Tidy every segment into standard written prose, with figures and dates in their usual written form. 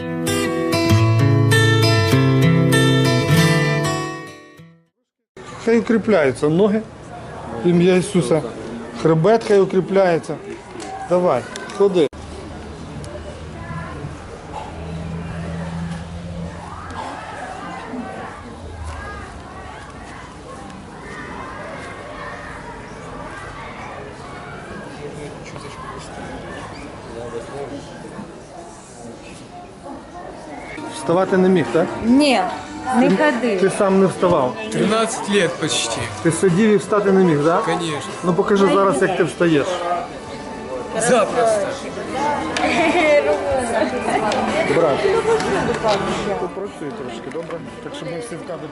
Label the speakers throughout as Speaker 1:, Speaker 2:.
Speaker 1: Хай укріпляються ноги, ім'я Ісуса. Хребет хай укріпляється. Давай, ходи. Вставати не міг, так?
Speaker 2: Ні, не ходив.
Speaker 1: Ти сам не вставав.
Speaker 3: 13 лет почти.
Speaker 1: Ти сидів і встати не міг, так?
Speaker 3: Конечно.
Speaker 1: Ну покажи зараз, як ти встаєш.
Speaker 3: Запросто.
Speaker 1: Брат, попрацюй трошки, добре? Так, щоб ми всі в кадрі.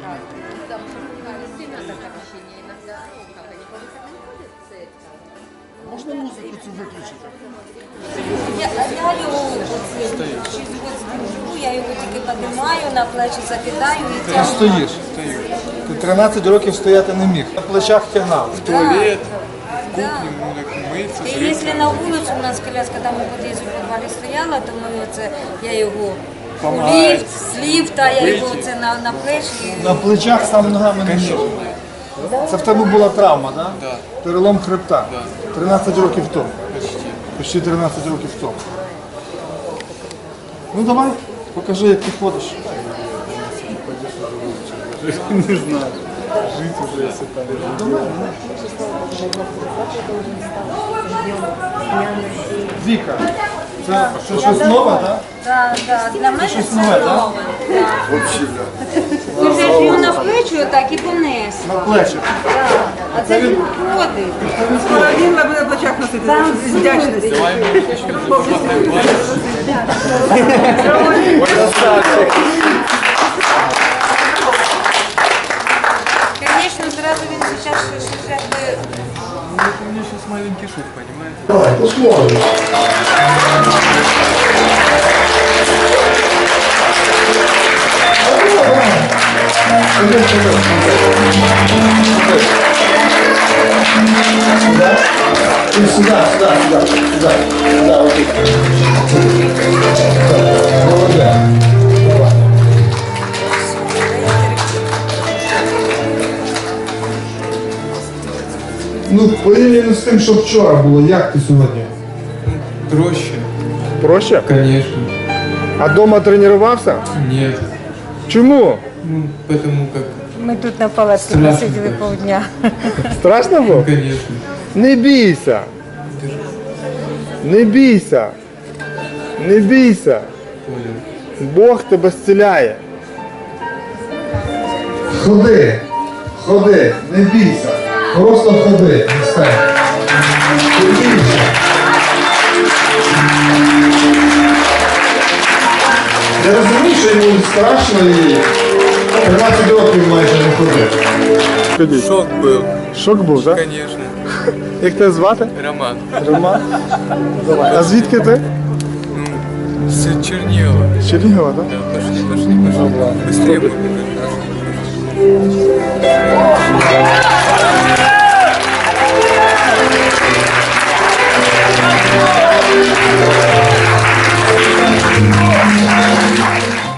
Speaker 1: Можна музику цю виключити?
Speaker 2: Я його 6 років держу, я його тільки піднімаю, на плечі закидаю і
Speaker 1: Ти
Speaker 2: тягну.
Speaker 1: стоїш. Ти 13 років стояти не міг. На плечах тягнав.
Speaker 3: Туалет,
Speaker 2: Да.
Speaker 3: ему так мыться.
Speaker 2: І якщо на вулицю у нас коляска там у під'їзді в підвалі стояла, то ми оце, я його у ліфт, з ліфта, я його оце на плечі.
Speaker 1: На плечах сам ногами не міг. Це в тебе була травма, так?
Speaker 3: Да.
Speaker 1: Перелом хребта.
Speaker 3: Да.
Speaker 1: 13 років тому.
Speaker 3: Почти.
Speaker 1: Почти 13 років тому. Ну давай, покажи, як ти ходиш. Не знаю. Жити вже все там. Віка, це щось нове, так?
Speaker 2: Так, для мене
Speaker 1: щось
Speaker 2: це
Speaker 1: нове, да?
Speaker 2: нове. Ми вже ж його на плечі отак і понесли.
Speaker 1: На плечі.
Speaker 2: А це він ходить.
Speaker 4: Він на плечах носити з вдячності.
Speaker 3: Давай мы начнем зарабатывать базу.
Speaker 2: Звісно, зразу він зараз якби...
Speaker 3: Это у меня сейчас маленький шут, понимаете?
Speaker 1: Давай, посмотрим. Сюда, окей. Ну, порівняно з тим, що вчора було, як ти сьогодні?
Speaker 3: Проще.
Speaker 1: Проще?
Speaker 3: Конечно.
Speaker 1: А дома тренувався?
Speaker 3: Нет.
Speaker 1: Чому?
Speaker 3: Ну, потому как...
Speaker 2: Ми тут на палаці
Speaker 3: Страшно,
Speaker 2: посиділи
Speaker 3: конечно.
Speaker 2: півдня.
Speaker 1: Страшно було?
Speaker 3: Конечно.
Speaker 1: Не бійся. Не бійся. Не бійся.
Speaker 3: Понял.
Speaker 1: Бог тебе зціляє. Ходи. Ходи. Не бійся. Просто ходи. Не стань. Не бійся. Я розумію, що йому страшно і 13 років майже не ходив.
Speaker 3: Шок был.
Speaker 1: Шок був, так?
Speaker 3: Конечно.
Speaker 1: Як тебе звати?
Speaker 3: Роман.
Speaker 1: Роман? Давай. А звідки ти?
Speaker 3: Ну, с Чернила.
Speaker 1: З Чернігова, так?
Speaker 3: Да, пошли. Быстрее будем.